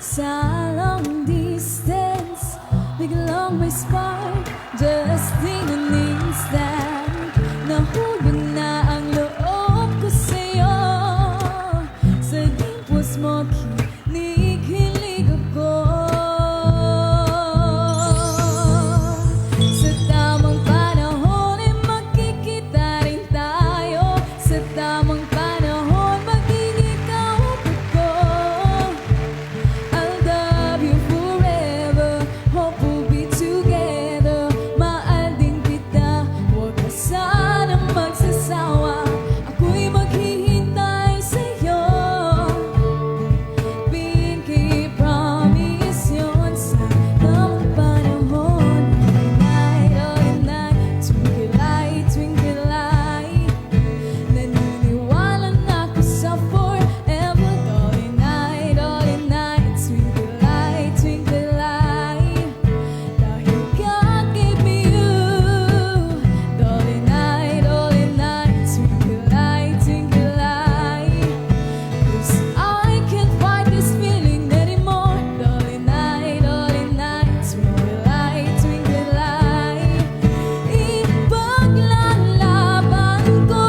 sa long distance. Biglang may spark, just in an instant. Nahulog na ang loob ko sa'yo. Sa dimples mo, kinikilig ako. Sa tamang panahon ay magkikita rin tayo. Sa tamang panahon, magiging kaupit ko. I'll love you forever, hope we'll be together. Mahal din kita, huwag ka sanang magsasawa. Ako'y maghihintay sa'yo. Pinky promise yun sa tamang panahon. Night, all night, twinkle light, twinkle light. Naniniwala na ako sa forever. All night, twinkle light, twinkle light. Dahil God gave me you. All night, twinkle light, twinkle light. 'Cause I can't fight this feeling anymore. All night, twinkle light, twinkle light. Ipaglalaban ko.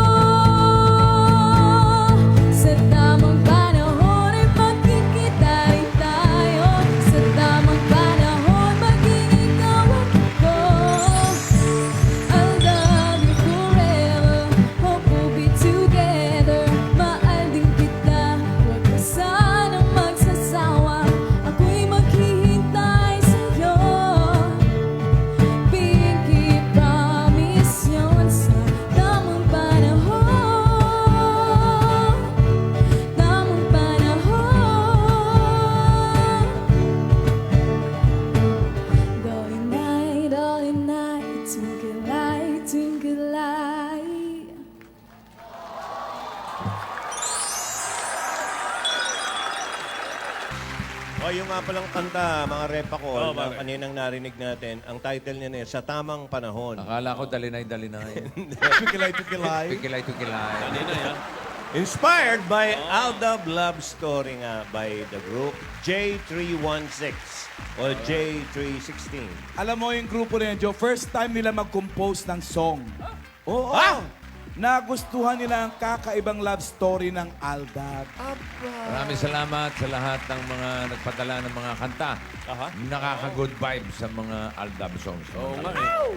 Sa tamang panahon ay magkikita rin tayo. Sa tamang panahon, magiging kaaway ko. I'll love you forever, hope we'll be together. Mahal din kita, huwag ka sanang magsasawa. Ako'y maghihintay sa'yo. Pinky promise yun sa tamang panahon. Tamang panahon. Dolly night, twinkle light, twinkle light. O, yung nga palang kanta, mga repa ko, Oo, na bakit? kaninang narinig natin, ang title niya na Sa Tamang Panahon. Akala ko dalinay-dalinay. Pikilay. Pikilay-pikilay. Kanina yan. Inspired by Aldab Love Story nga by the group J316 o J316. Alam mo yung grupo na yun, Joe, first time nila mag-compose ng song. Oo. Nagustuhan nila ang kakaibang love story ng Aldab. Maraming salamat sa lahat ng mga nagpadala ng mga kanta. Nakaka-good vibes sa mga Aldab songs. Oo nga eh.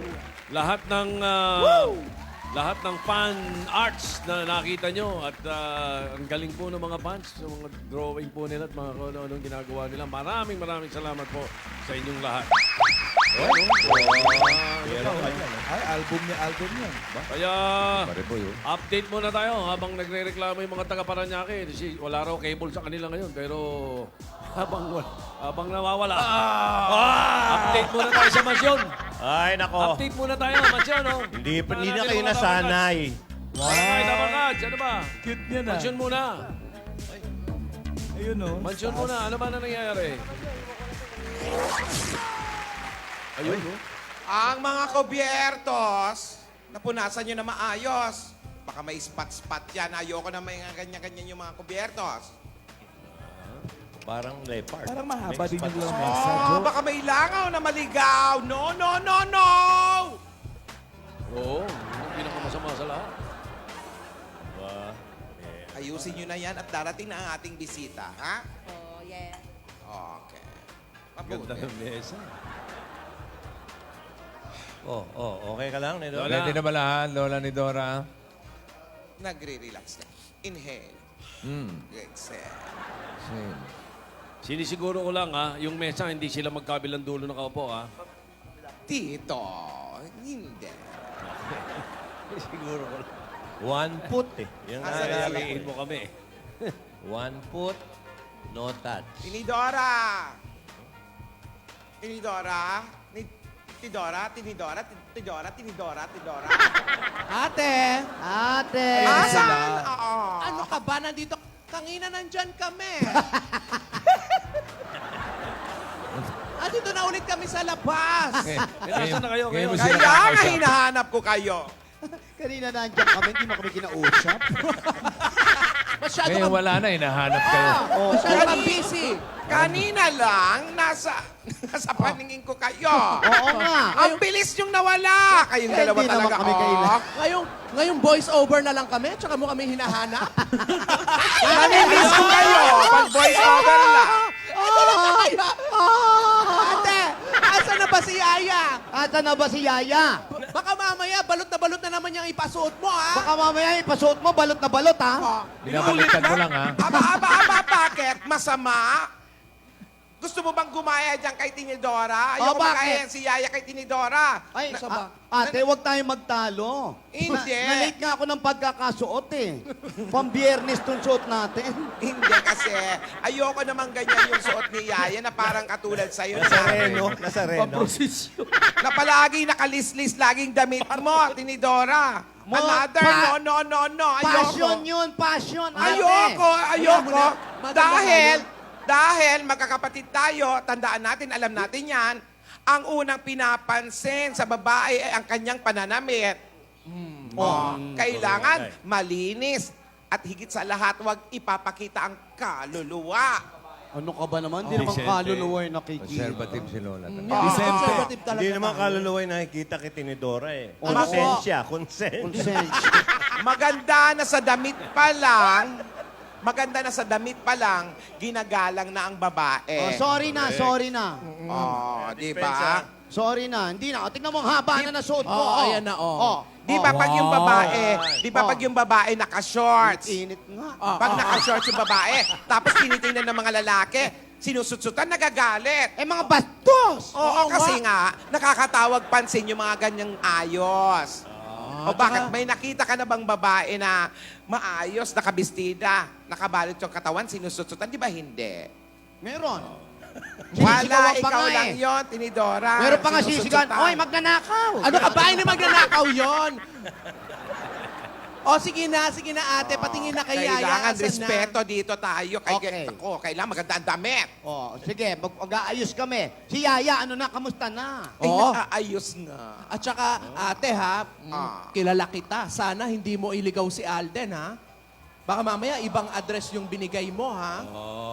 Lahat ng fan arts na nakita nyo at ang galing po ng mga fans, sa mga drawing po nila at mga kung ano-anong ginagawa nila. Maraming salamat po sa inyong lahat. Ay, album yan. Kaya, Pare po yun. update muna tayo habang nagre-reklamo yung mga taga-Paranaque. Kasi wala raw cable sa kanila ngayon. Pero habang nawawala, update muna tayo sa mansyon. Ay, nako. Update muna tayo, mansyon. Oh. Hindi na kayo nasanay. Ay, Dabangats, ano ba? Cute niya na. Mansyon muna. Ayun, no? Mansyon muna. Ano ba na nangyayari? Ayun, oh. Ang mga kubiertos, napunasan nyo na maayos. Baka may spot-spot yan. Ayoko na may ganyan-ganyan yung mga kubiertos. Parang leopard. Parang mahaba din yung Mix lamesa, Oh, Joe. baka may langaw na maligaw. No, no, no, no! Oo, yung pinakamasama sa lahat. Ba? Ayusin nyo na yan at darating na ang ating bisita, ha? Oh, yeah. Okay. Ganda Mabuti. ng mesa. Okay ka lang, Nido? Lola. Ready na ba lahat, Lola ni Dora? Nagre-relax na. Inhale. Exhale. Same. Sinisiguro ko lang, ha, yung mesa, hindi sila magkabilang dulo nakaupo, ha? Tito, hindi. Siguro ko lang. One foot eh. Yung Asa na Sabihin mo kami. one foot, no touch. Tinidora! Tinidora? Tidora, tinidora, tidora, tinidora, tidora. Ate! Ate! Asan? Oo. Ano ka ba? Nandito, kanina nandyan kami. Dito na ulit kami sa labas. Nasaan na kayo? Ngayon mo Kayo? sila Kaya nga kakausap. hinahanap ko kayo. Kanina nandyan kami, hindi mo kami kinausap. Masyado Ngayon kang... wala na, hinahanap kayo. Masyado kang busy. Kanina lang, nasa paningin ko kayo. Oo nga. Ang bilis yung nawala. Kayong dalawa Hindi naman talaga. kami kailan. Ngayong voice over na lang kami, tsaka mo kami hinahanap. Namimiss ko kayo. Pag voice over lang. Ate, asa na ba si Yaya? Asa na ba si Yaya? Baka mamaya, balot na naman yung ipasuot mo, ha? Baka mamaya ipasuot mo, balot na balot, ha? Binabaliktad mo lang, ha? Aba, bakit? Masama? Gusto mo bang gumaya dyan kay Tinidora? Ayoko bakit? makaya si Yaya kay Tinidora. Ay, Saba. ate, huwag tayong magtalo. Hindi. Na-late nga ako ng pagkakasuot, eh. Pambiyernes tong suot natin. Hindi kasi. Ayoko naman ganyan yung suot ni Yaya na parang katulad sa'yo. Nazareno. Nazareno. Na palagi nakalislis laging damit mo, Tinidora. Another, no. Passion Ayoko. yun, passion, ate. Ayoko. Madam, Dahil magkakapatid tayo, tandaan natin, alam natin yan, ang unang pinapansin sa babae ay ang kanyang pananamit. Kailangan malinis. At higit sa lahat, huwag ipapakita ang kaluluwa. Ano ka ba naman? Hindi naman kaluluwa yung nakikita. Conservative si Lola. conservative talaga. Hindi naman tayo. kaluluwa yung nakikita kay Tinidora eh. Oo. Konsensya, konsensya. Konsensya. Maganda na sa damit pa lang, ginagalang na ang babae. Sorry na. Di ba? Sorry na. Hindi na. Tingnan mo, ang haba na nasuot ko. Ayan na, oh. Di ba pag yung babae naka-shorts? Init nga. Pag naka-shorts yung babae, tapos tinitingnan ng mga lalaki, sinusutsutan, nagagalit. Eh, mga bastos! Oo, kasi nga, nakakatawag pansin yung mga ganyang ayos. O bakit? May nakita ka na bang babae na maayos, nakabistida, nakabalot yung katawan, sinusutsutan? Di ba hindi? Meron. Wala, Sinisigawan pa ikaw nga lang eh. yon, Tinidora. Meron pa nga sisigawan. Sinusutsutan. Oy, magnanakaw! Ano ka ba? Hindi magnanakaw yon. O, sige na, ate. Patingin na kay Yaya. Kailangan Asan respeto dito tayo. Okay. Kailangan maganda ang damit. Sige, mag-aayos kami. Si Yaya, ano na, kamusta na? Ay, Oo. nakaayos nga. At saka, ate ha, kilala kita. Sana hindi mo iligaw si Alden, ha? Baka mamaya ibang address yung binigay mo, ha?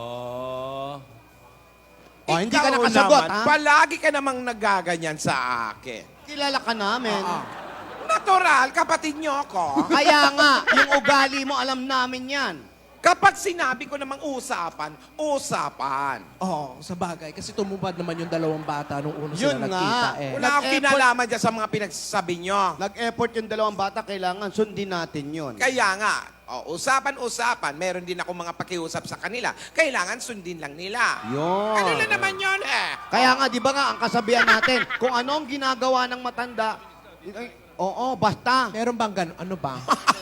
Hindi ka Ikaw nakasagot, naman, ha? palagi ka namang nagaganyan sa akin. Kilala ka namin. Natural, kapatid niyo ako. Kaya nga, yung ugali mo, alam namin yan. Kapag sinabi ko namang usapan. Oo, sa bagay. Kasi tumubad naman yung dalawang bata nung una Yun sila nagkita, nga. eh. Wala akong Nag-effort. kinalaman dyan sa mga pinagsasabi niyo. Nag-effort yung dalawang bata, kailangan sundin natin yun. Kaya nga, usapan. Meron din ako mga pakiusap sa kanila. Kailangan sundin lang nila. Yun. Ano na naman yun eh? Kaya nga, di ba nga, ang kasabihan natin, kung ano ang ginagawa ng matanda, basta. Meron bang gano'n? Ano ba?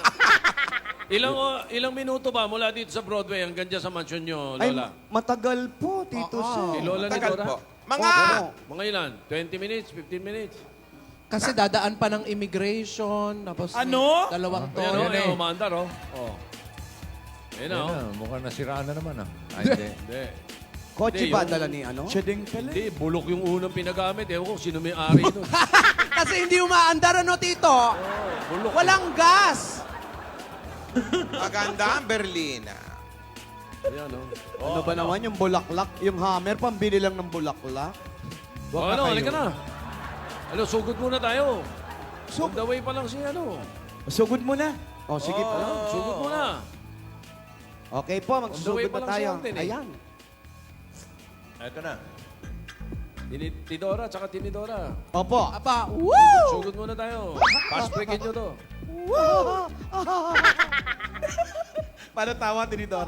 Ilang minuto ba mula dito sa Broadway hanggang dyan sa mansion nyo, Ay, Lola? matagal po, Tito Si Sen. Lola ni Tagal Dora? po. Mga, Mga ilan? 20 minutes? 15 minutes? Kasi dadaan pa ng immigration, tapos Ano? dalawang Ayan o, tono. ayan o, maandar o. Ayan o. Ayan na, mukhang nasiraan na naman, ah. Ay, hindi. Hindi. Kotse Hindi, ba yung- dala ni ano? Siya din pala. Hindi, bulok yung unang pinagamit. Ewan ko, sino may ari nun. Kasi hindi umaandar, ano, Tito? Walang gas. maganda ang Berlina. Ayan o. Ano ba naman yung bulaklak? Yung hammer, pambili lang ng bulaklak? Wag na Ano, kayo. halika na. Ano, sugod muna tayo. On the way pa lang si ano. Sugod mo na. Sige po. Sugod muna. Okay po, On the way magsusugod pa na lang si tayo. Alden, eh. Ayan. Ito na. Tidora, tsaka Tinidora. Opo. Aba, woo! Sugod muna tayo. Fast breakin nyo to. Para tawa, Tinidora.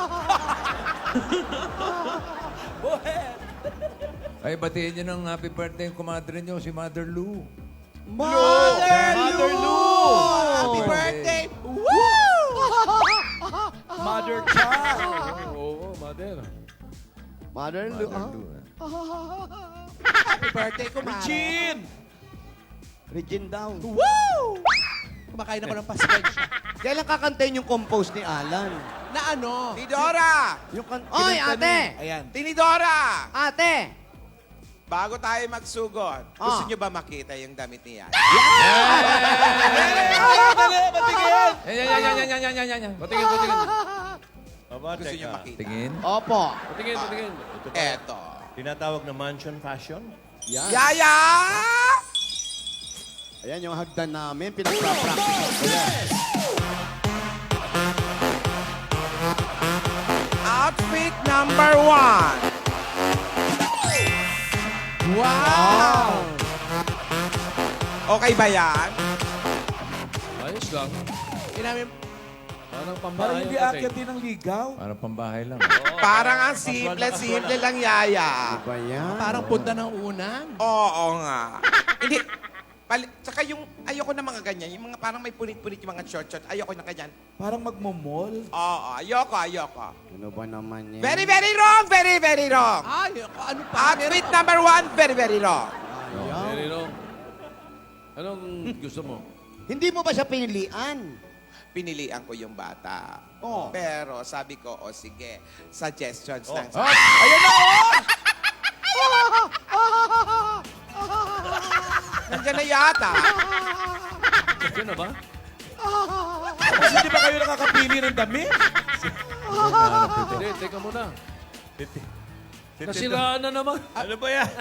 Ay, batiin nyo ng happy birthday yung kumadre nyo, si Mother Lou. Mother Lou! Happy birthday! Woo! Mother child. Oo, mother. Mother Lou, Mother Lou. Happy birthday, kumara. Chin! Regine down. Woo! Kumakain ako ng pasensya. Kailan kakantayin yung compose ni Alan? Na ano? Tinidora! Yung Oy, ate! Ayan. Tinidora! Ate! Bago tayo magsugod, gusto Ah. nyo ba makita yung damit niya? Yan. Patingin. Aba, Gusto niyo teka. makita? Tingin. Opo. Patingin, patingin. Eto. Tinatawag na mansion fashion? Yan. Yaya! Ayan yung hagdan namin. Pinagpa-practice ko yan. Outfit number 1. Wow! Okay ba yan? Ayos lang. Inamin, Parang Parang pambahay hindi ang aakyat dating. din ng ligaw. Para pambahay lang. Parang ang simple lang, Yaya. Ba yan? parang punta ng unan. Oo nga. Hindi. Tsaka yung, ayoko na mga ganyan. Yung mga parang may punit-punit yung mga short-short. Ayoko na ganyan. Parang magmomall. Oo, ayoko. Ano ba naman yan? Very, very wrong. Very, very wrong. Ay, ano pa? Outfit number 1, very, very wrong. Very wrong. Anong gusto mo? Hindi mo ba siya pinilian? Pinilian ko yung bata. Oo. Pero sabi ko, o sige, suggestions lang. Ayan na, Nandiyan na yata. Diyan na ba? Kasi hindi ba kayo nakakapili ng damit? Hindi, teka muna. Nasiraan na naman. Ano ba yan?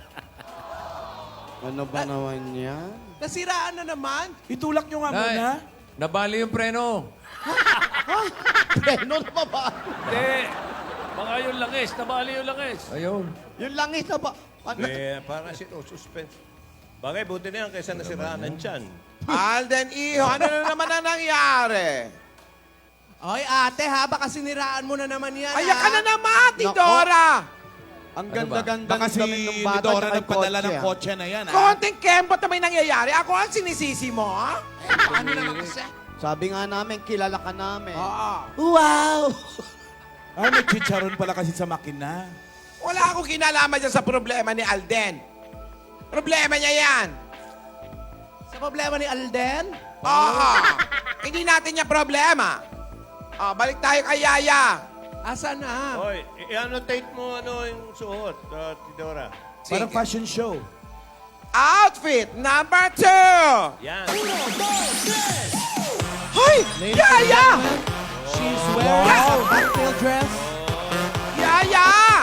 Ano ba naman yan? Nasiraan na naman. Itulak nyo nga Nay, muna. nabali yung preno. Preno na ba ba? Hindi. Baka yung langis. Nabali yung langis. Ayun. Yung langis na ba? Ano? Parang suspense. Bagay, buti na yan kaysa nasiraan ng tiyan. Alden Iho, ano na naman ang nangyari? Ay, ate ha, baka siniraan mo na naman yan. Ayak ka ha? na naman, Nako. Dora! Ang Ano ba? ganda-ganda Baka ng si damit ng bata Dora tsaka yung nagpadala ng ah. kotse na yan, ha? Konting kembot na may nangyayari. Ako ang sinisisi mo, ha? Ano naman kasi? Sabi nga namin, kilala ka namin. Oo. Wow! Ay, may chicharon pala kasi sa makina. Wala akong kinalaman dyan sa problema ni Alden. Problema niya yan. Sa problema ni Alden? Oo. Hindi natin niya problema. Balik tayo kay Yaya. Asa na? Hoy, i-annotate mo ano yung suot, Tidora. Parang Sige. fashion show. Outfit number 2. Yan. Hoy! Yaya! She's wearing a cocktail dress. Yaya!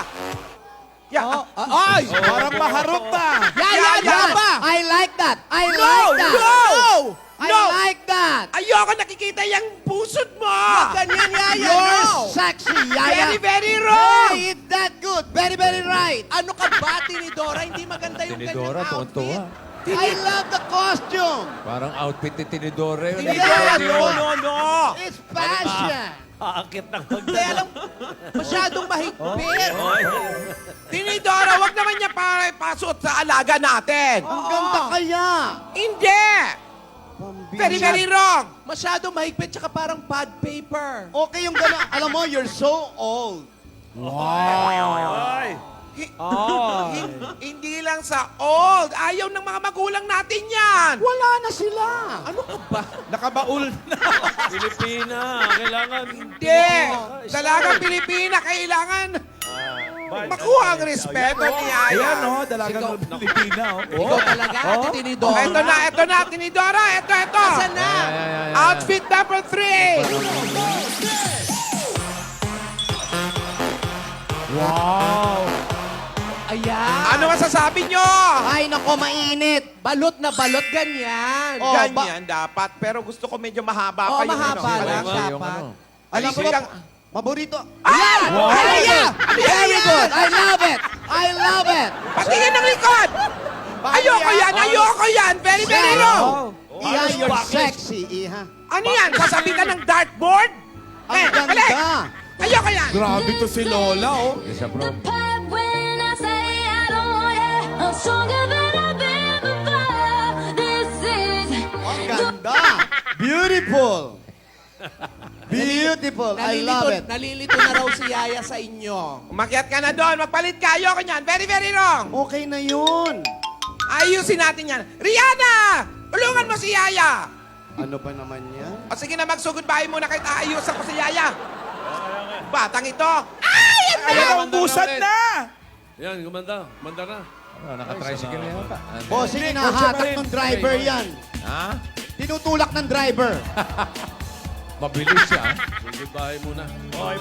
Ay! Parang maharap na. Yaya! I like that! I No! like that! No! I No! like that! Ayoko nakikita yung pusod mo! Ganyan, Yaya, You're no! sexy, Yaya! Very, very wrong! Hey, it's that good! Very, very right! Ano ka ba, Tinidora? Hindi maganda yung Tinidora, ganyang outfit. tuwan-tuwa. I love the costume! Parang outfit ni Tinidora yun. Tinidora, Hindi no, yun. no, no! It's fashion! Aakit ng Hindi, alam, masyadong mahigpit. Tinidora, wag naman niya para ipasuot sa alaga natin! Ang ganda kaya! Hindi! Very, very wrong! Masyadong mahigpit, tsaka parang pad paper. Okay yung gano'n. Alam mo, you're so old. Ay! Hindi lang sa old. Ayaw ng mga magulang natin yan. Wala na sila. Ano ka ba? Nakabaul na. Pilipina. Kailangan... Hindi. Dalagang Pilipina, kailangan makuha ang respeto ni Ayan, Aya. no? Dalagang Pilipina, oh. Ikaw talaga, Ate Tinidora. Ito na, Tinidora. Ito. Asan na? Outfit number 3. Wow. Ayan. Ano masasabi nyo? Ay, nako, mainit. Balot na balot, ganyan. Oh, Ganyan dapat. Pero gusto ko medyo mahaba Oo, pa yung mahaba ano. lang Yung dapat. ano. Alam ko, Ayun. maborito. Ah! Yaya! Very good. I love it. I love it. Patingin ng likod! Ayoko yan! Very, very wrong! Iha, you're sexy, Iha. Ano yan? Sasabi ka ng dartboard? Ang balik! ganda. Ayoko yan! Grabe to si Lola, oh. Isa from... When I say I don't want it, I'm stronger than I've been before. This is Ang ganda. Beautiful. Beautiful. I love it. Nalilito na raw si Yaya sa inyo. Umakyat ka na doon. Magpalit ka. Ayoko yan. Very, very wrong. Okay na yun. Ayusin natin yan. Rihanna! Tulungan mo si Yaya. Ano ba naman yan? O sige na, magsugod bahay muna kahit aayusan ko si Yaya. Batang ito. Ay! Ayan, ubusan na. Yan, gumanda. Gumanda na. Ano, naka-tricycle na yata. Bossing, Hindi, hinahatak kotse pa ng driver yan. Ha? Tinutulak ng driver. Mabilis siya. Sugod bahay muna.